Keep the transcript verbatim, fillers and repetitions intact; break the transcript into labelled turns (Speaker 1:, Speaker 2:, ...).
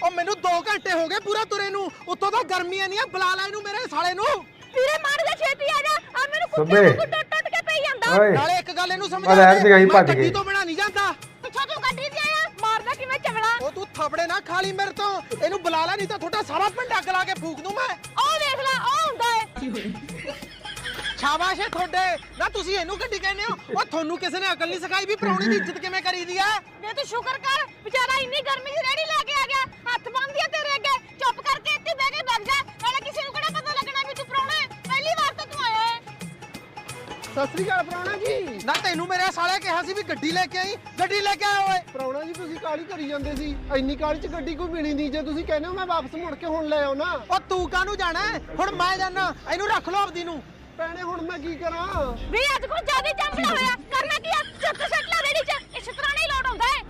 Speaker 1: ਉਹ ਮੈਨੂੰ ਦੋ ਘੰਟੇ ਹੋ ਗਏ ਪੂਰਾ ਤੁਰੇ ਨੂੰ, ਉੱਤੋਂ ਤਾਂ ਗਰਮੀਆਂ ਨਹੀਂ ਆ, ਬੁਲਾ ਲੈ ਇਹਨੂੰ ਮੇਰੇ ਸਾਲੇ ਨੂੰ।
Speaker 2: ਵੀਰੇ ਮਾਰ ਜਾ ਛੇਤੀ ਆ ਜਾ, ਆ ਮੈਨੂੰ ਕੁੱਤੇ ਨੂੰ ਟੁੱਟ ਟੁੱਟ ਕੇ ਪਈ ਜਾਂਦਾ।
Speaker 1: ਨਾਲੇ ਇੱਕ ਗੱਲ ਇਹਨੂੰ ਸਮਝ
Speaker 3: ਆ ਲੈ ਸੀਗਾ ਹੀ ਭੱਜ
Speaker 1: ਗੱਡੀ
Speaker 3: ਗਏ।
Speaker 1: ਤੋਂ ਬਿਨਾ ਨਹੀਂ ਜਾਂਦਾ।
Speaker 2: ਪਿੱਛੋਂ ਤੂੰ ਗੱਡੀ ਤੇ ਆਇਆ, ਮਾਰਦਾ ਕਿਵੇਂ ਚਵਲਾ।
Speaker 1: ਉਹ ਤੂੰ ਥਪੜੇ ਨਾ ਖਾ ਲਈ ਮੇਰੇ ਤੋਂ, ਇਹਨੂੰ ਬੁਲਾ ਲੈ ਨਹੀਂ ਤਾਂ ਤੁਹਾਡਾ ਸਾਰਾ ਪਿੰਡ ਅੱਗ ਲਾ ਕੇ ਫੂਕ ਦੂੰ ਮੈਂ।
Speaker 2: ਉਹ ਦੇਖ ਲੈ, ਉਹ ਹੁੰਦਾ ਏ।
Speaker 1: ਸ਼ਾਬਾਸ਼ ਏ ਤੁਹਾਡੇ ਨਾ, ਤੁਸੀਂ ਇਹਨੂੰ ਗੱਡੀ ਕਹਿੰਦੇ ਹੋ। ਉਹ ਤੁਹਾਨੂੰ ਕਿਸੇ ਨੇ ਅਕਲ ਨਹੀਂ ਸਿਖਾਈ ਵੀ ਪ੍ਰਾਹੁਣੇ ਦੀ ਇੱਜ਼ਤ ਕਿਵੇਂ ਕਰੀਦੀ ਆ।
Speaker 2: ਵੇ ਤੂੰ ਸ਼ੁਕਰ ਕਰ, ਵਿਚਾਰਾ ਇੰਨੀ ਗਰਮੀ ਦੀ ਰੇੜੀ ਲੈ ਕੇ ਆ ਗਿਆ, ਹੱਥ ਬੰਨ੍ਹਦੀ ਆ ਤੇਰੇ ਅੱਗੇ। ਚੁੱਪ ਕਰਕੇ ਇੱਥੇ ਬਹਿ ਕੇ ਵਗ ਜਾ, ਨਾਲੇ ਕਿਸੇ ਨੂੰ ਕਿਹੜਾ ਪਤਾ ਲੱਗਣਾ ਵੀ ਤੂੰ ਪ੍ਰਾਹੁਣਾ ਹੈ। ਪਹਿਲੀ ਵਾਰ ਤਾਂ ਤੂੰ ਆਇਆ ਹੈ।
Speaker 4: ਸਤਿ ਸ੍ਰੀ ਅਕਾਲ ਪ੍ਰਾਹੁਣਾ ਜੀ।
Speaker 1: ਨਾ ਤੈਨੂੰ ਮੇਰੇ ਸਾਲੇ ਕਿਹਾ ਸੀ ਵੀ ਗੱਡੀ ਲੈ ਕੇ ਆਈ, ਗੱਡੀ ਲੈ ਕੇ ਆਇਆ ਓਏ।
Speaker 4: ਪ੍ਰਾਹੁਣਾ ਜੀ ਤੁਸੀਂ ਕਾਹਲੀ ਕਰੀ ਜਾਂਦੇ ਸੀ, ਇੰਨੀ ਕਾਹਲੀ ਚ ਗੱਡੀ ਕੋਈ ਮਿਲੀ ਨਹੀਂ। ਜੇ ਤੁਸੀਂ ਕਹਿੰਦੇ ਹੋ ਮੈਂ ਵਾਪਸ ਮੁੜ ਕੇ ਹੁਣ ਲੈ ਆਉਣਾ।
Speaker 1: ਉਹ ਤੂੰ ਕਾਹਨੂੰ ਜਾਣਾ, ਹੁਣ ਮੈਂ ਜਾਣਾ। ਇਹਨੂੰ ਰੱਖ ਲਓ ਆਪਦੀ ਨੂੰ।
Speaker 4: ਭੈਣੇ ਹੁਣ ਮੈਂ ਕੀ ਕਰਾਂ?
Speaker 2: ਵੀ ਅੱਜ ਕੋਲ ਜਿਆਦਾ ਜੰਮਣਾ ਹੋਇਆ, ਕਰਨਾ ਕੀ ਆ? ਚੱਕ ਸੱਟ ਲਾ ਰੇੜੀ ਚ, ਇਸ ਤਰ੍ਹਾਂ ਨਹੀਂ ਲੋਟ ਆਉਂਦਾ ਹੈ।